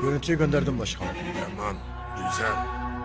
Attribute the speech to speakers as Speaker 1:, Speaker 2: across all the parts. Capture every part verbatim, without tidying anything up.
Speaker 1: Görüntüyü gönderdim başkanım.
Speaker 2: Tamam, güzel.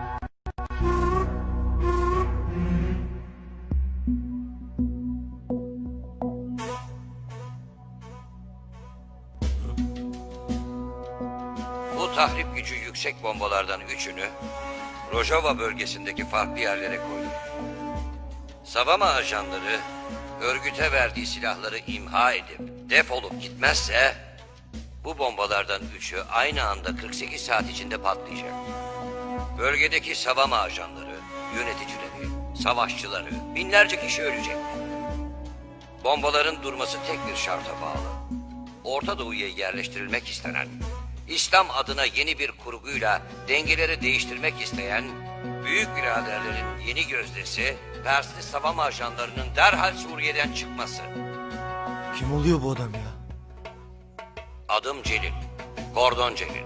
Speaker 3: Bu tahrip gücü yüksek bombalardan üçünü Rojava bölgesindeki farklı yerlere koyduk. Savama ajanları örgüte verdiği silahları imha edip defolup gitmezse bu bombalardan üçü aynı anda kırk sekiz saat içinde patlayacak. Bölgedeki savama ajanları, yöneticileri, savaşçıları, binlerce kişi ölecek. Bombaların durması tek bir şarta bağlı. Orta Doğu'ya yerleştirilmek istenen, İslam adına yeni bir kurguyla dengeleri değiştirmek isteyen büyük biraderlerin yeni gözdesi Persli savama ajanlarının derhal Suriye'den çıkması.
Speaker 1: Kim oluyor bu adam ya?
Speaker 3: Adım Celil, Kordon Celil.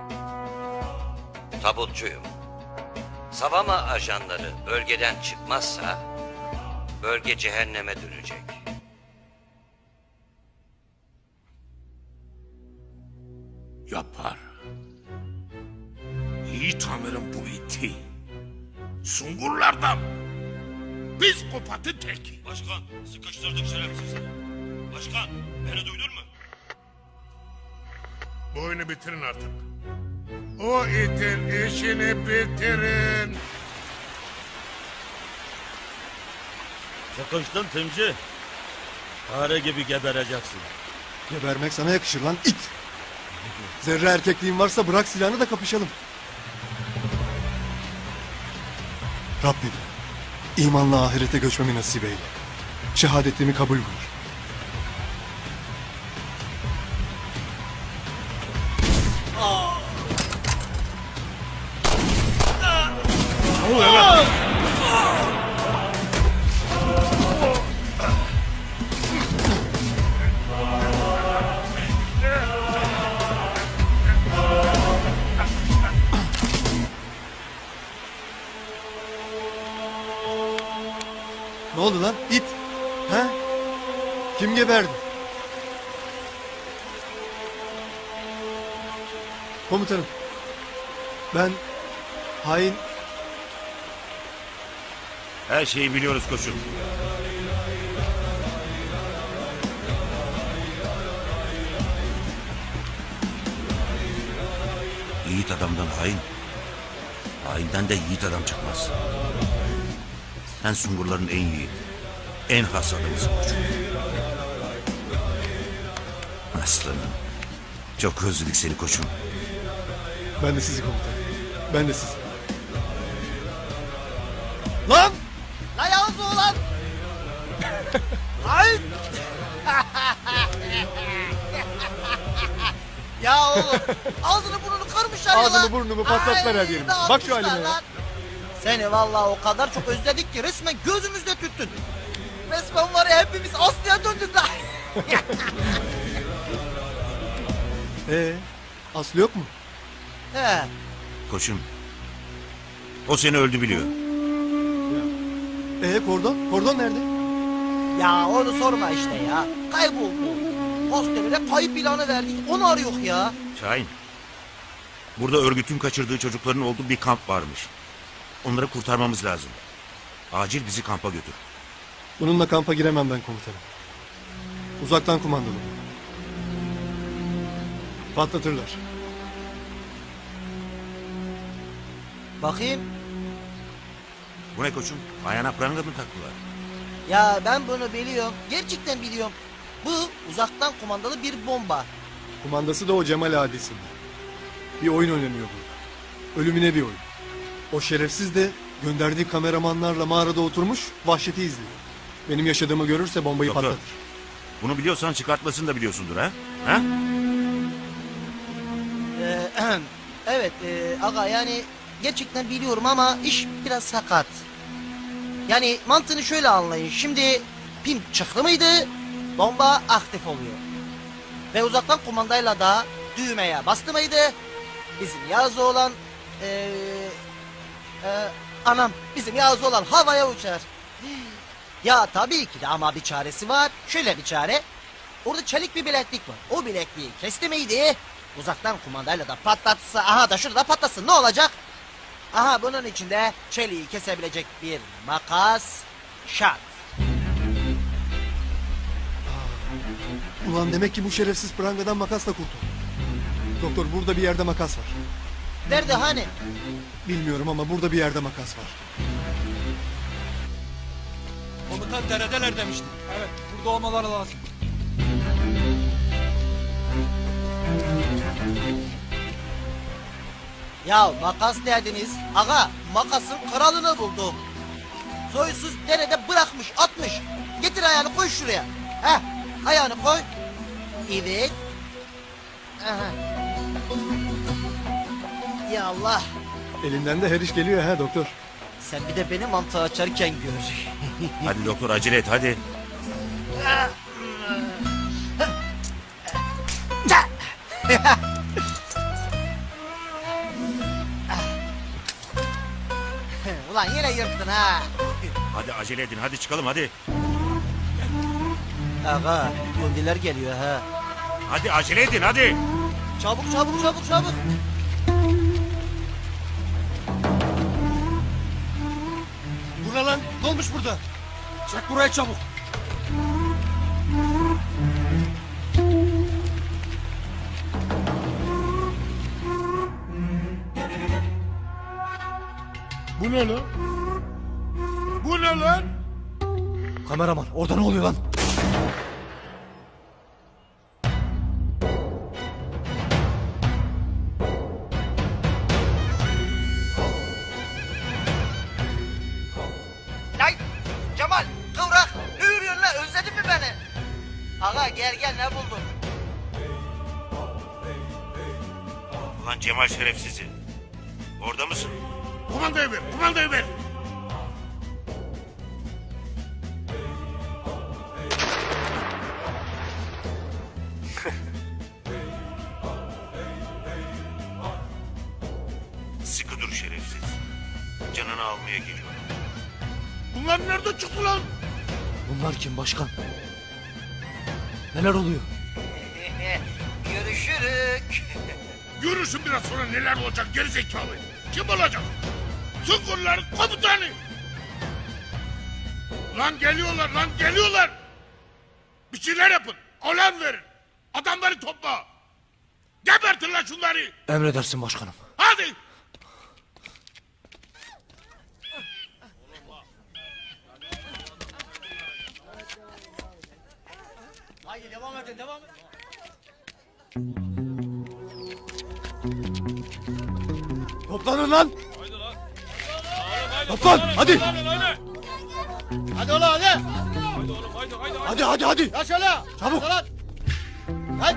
Speaker 3: Tabutçuyum. Savama ajanları bölgeden çıkmazsa bölge cehenneme dönecek.
Speaker 2: Yapar. Yiğit amirim bu iti. Sungurlardan. Psikopatı tek.
Speaker 4: Başkan, sıkıştırdık şerefsiz. Başkan, beni duydun mu?
Speaker 2: Bu oyunu bitirin artık. O itin işini bitirin.
Speaker 4: Sıkıştın Timci. Fare gibi gebereceksin.
Speaker 1: Gebermek sana yakışır lan it. Zerre erkekliğin varsa bırak silahını da kapışalım. Rabbim imanla ahirete göçmemi nasip eyle. Şehadetimi kabul buyur.
Speaker 2: Ne oluyor lan?
Speaker 1: Ne oldu lan it? He? Kim geberdi? Komutanım. Ben hain...
Speaker 4: Her şeyi biliyoruz koçum. Yiğit adamdan hain, hainden de yiğit adam çıkmaz. Sen Sungurların en yiğit, en has adamısın koçum. Aslanım, çok özledik seni koçum.
Speaker 1: Ben de sizi komutanım. Ben de sizi. Lan!
Speaker 5: La Yavuz oğlan! Ay! Ya oğlum ağzını burnunu kırmışlar ya lan.
Speaker 1: Ağzımı burnumu patlattılar her yerime.
Speaker 5: Ay,
Speaker 1: Bak şu halime ya.
Speaker 5: lan. Seni vallahi o kadar çok özledik ki resmen gözümüzde tüttün. Resmen var ya hepimiz Aslı'ya döndük lan.
Speaker 1: Ee, Aslı yok mu?
Speaker 5: He.
Speaker 4: Koçum, o seni öldü biliyor.
Speaker 1: Ee, kordon? Kordon nerede?
Speaker 5: Ya onu sorma işte ya. Kayboldu. Hostelere kayıp ilanı verdik. Onu arıyor ya.
Speaker 4: Şahin, burada örgütün kaçırdığı çocukların olduğu bir kamp varmış. Onları kurtarmamız lazım. Acil bizi kampa götür.
Speaker 1: Bununla kampa giremem ben komutanım. Uzaktan kumandalı. Patlatırlar.
Speaker 5: Bakayım.
Speaker 4: Bu ne koçum? Ayağına pranga mı taktılar?
Speaker 5: Ya ben bunu biliyorum. Gerçekten biliyorum. Bu uzaktan kumandalı bir bomba.
Speaker 1: Kumandası da o Cemal Adisi'nde. Bir oyun oynanıyor burada. Ölümüne bir oyun. O şerefsiz de gönderdiği kameramanlarla mağarada oturmuş vahşeti izliyor. Benim yaşadığımı görürse bombayı
Speaker 4: Doktor.
Speaker 1: patlatır.
Speaker 4: Bunu biliyorsan çıkartmasını da biliyorsundur ha? Ha?
Speaker 5: Ee, evet e, aga yani gerçekten biliyorum ama iş biraz sakat. Yani mantığını şöyle anlayın. Şimdi pim çıktı mıydı bomba aktif oluyor. Ve uzaktan kumandayla da düğmeye bastı mıydı bizim Yağız oğlan e, e, anam bizim Yağız oğlan havaya uçar. Ya tabii ki de ama bir çaresi var. Şöyle bir çare. Orada çelik bir bileklik var. O bilekliği kesti miydi Uzaktan kumandayla da patlatsa, aha da şurada patlasın, ne olacak? Aha bunun içinde çeliği kesebilecek bir makas şart.
Speaker 1: Ulan demek ki bu şerefsiz prangadan makasla kurtuldu. Doktor burada bir yerde makas var.
Speaker 5: Nerede hani?
Speaker 1: Bilmiyorum ama burada bir yerde makas var.
Speaker 6: Komutan deredeler demişti. Evet, burada olmaları lazım.
Speaker 5: Ya makas derdiniz, aga makasın kralını buldum. Soysuz derede bırakmış, atmış. Getir ayağını koy şuraya. Heh, ayağını koy. Evet. Aha. Ya Allah.
Speaker 1: Elinden de her iş geliyor ha doktor.
Speaker 5: Sen bir de beni mantığı açarken gör.
Speaker 4: Hadi doktor acele et hadi.
Speaker 5: Ulan yine yırttın ha.
Speaker 4: Hadi acele edin hadi çıkalım hadi.
Speaker 5: Aga, kundiler geliyor ha.
Speaker 4: Hadi acele edin hadi.
Speaker 5: Çabuk çabuk çabuk çabuk.
Speaker 6: Bu ne lan? Ne olmuş burada? Çek buraya çabuk.
Speaker 2: Bu ne lan? Bu ne lan?
Speaker 1: Kameraman orada ne oluyor lan?
Speaker 5: Lan Cemal, kıvrak, ne yürüyorsun lan, özledin mi beni? Aga gel gel, ne buldun?
Speaker 4: Ulan Cemal şerefsizi. Orada mısın?
Speaker 2: Kumandayı ver, kumandayı ver.
Speaker 4: Sıkı dur şerefsiz. Canını almaya geliyor.
Speaker 2: Bunlar nerede çıktı lan?
Speaker 1: Bunlar kim başkan? Neler oluyor?
Speaker 5: Görüşürük.
Speaker 2: Görürsün biraz sonra neler olacak gerizekalı. Kim olacak? Sungurların komutanı. Lan geliyorlar lan geliyorlar. Bir şeyler yapın. Olan verin. Adamları topla. Gebertin lan şunları.
Speaker 1: Emredersin başkanım.
Speaker 2: Hadi.
Speaker 6: Haydi devam edin, devam edin.
Speaker 1: Toplanın lan! Toplan hadi!
Speaker 6: Hadi oğlum hadi.
Speaker 1: Hadi hadi hadi!
Speaker 6: Ya şöyle.
Speaker 1: Çabuk!
Speaker 6: Lan. Kaç.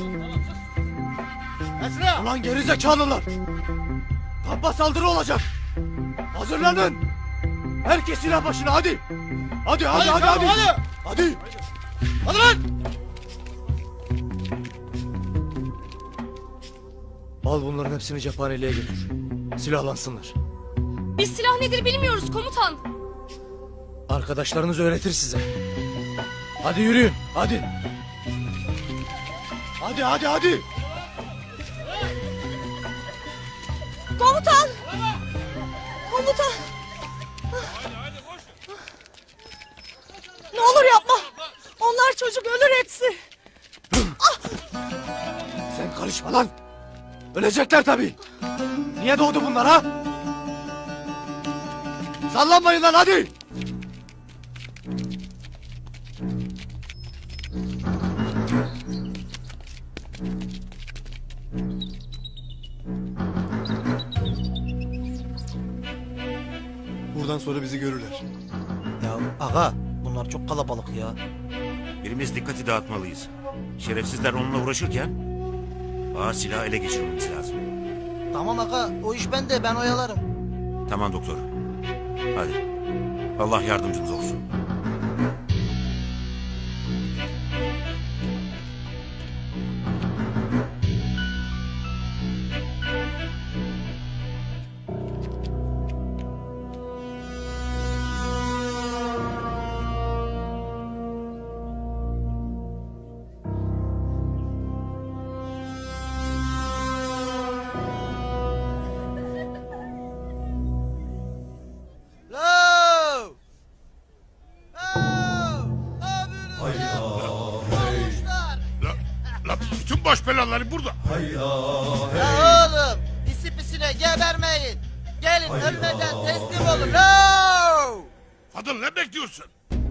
Speaker 6: Kaç şuraya.
Speaker 1: Ulan gerizekalılar! Kampa saldırı olacak! Hazırlanın! Herkes silah başına hadi! Hadi hadi hadi hadi!
Speaker 6: çabuk, hadi.
Speaker 1: Hadi!
Speaker 6: Hadi lan.
Speaker 1: Al bunların hepsini cephaneliğe götür. Silahlansınlar.
Speaker 7: Biz silah nedir bilmiyoruz komutan.
Speaker 1: Arkadaşlarınız öğretir size. Hadi yürüyün hadi! Hadi hadi hadi!
Speaker 7: Komutan! Komutan! Ne olur yapma. Onlar çocuk, ölür hepsi.
Speaker 1: Sen karışma lan! Ölecekler tabii! Niye doğdu bunlar ha? Sallanmayın lan hadi! Buradan sonra bizi görürler.
Speaker 5: Ya aga, bunlar çok kalabalık ya.
Speaker 4: Birimiz dikkati dağıtmalıyız. Şerefsizler onunla uğraşırken ağa silahı ele geçirmemiz lazım.
Speaker 5: Tamam aga, o iş bende, ben oyalarım.
Speaker 4: Tamam doktor. Hadi. Allah yardımcımız olsun.
Speaker 5: Olmuşlar.
Speaker 2: La, la bütün baş belaları burada.
Speaker 5: Ya oğlum pisi pisine gebermeyin. Gelin ölmeden teslim olun. No!
Speaker 2: Fadıl ne bekliyorsun?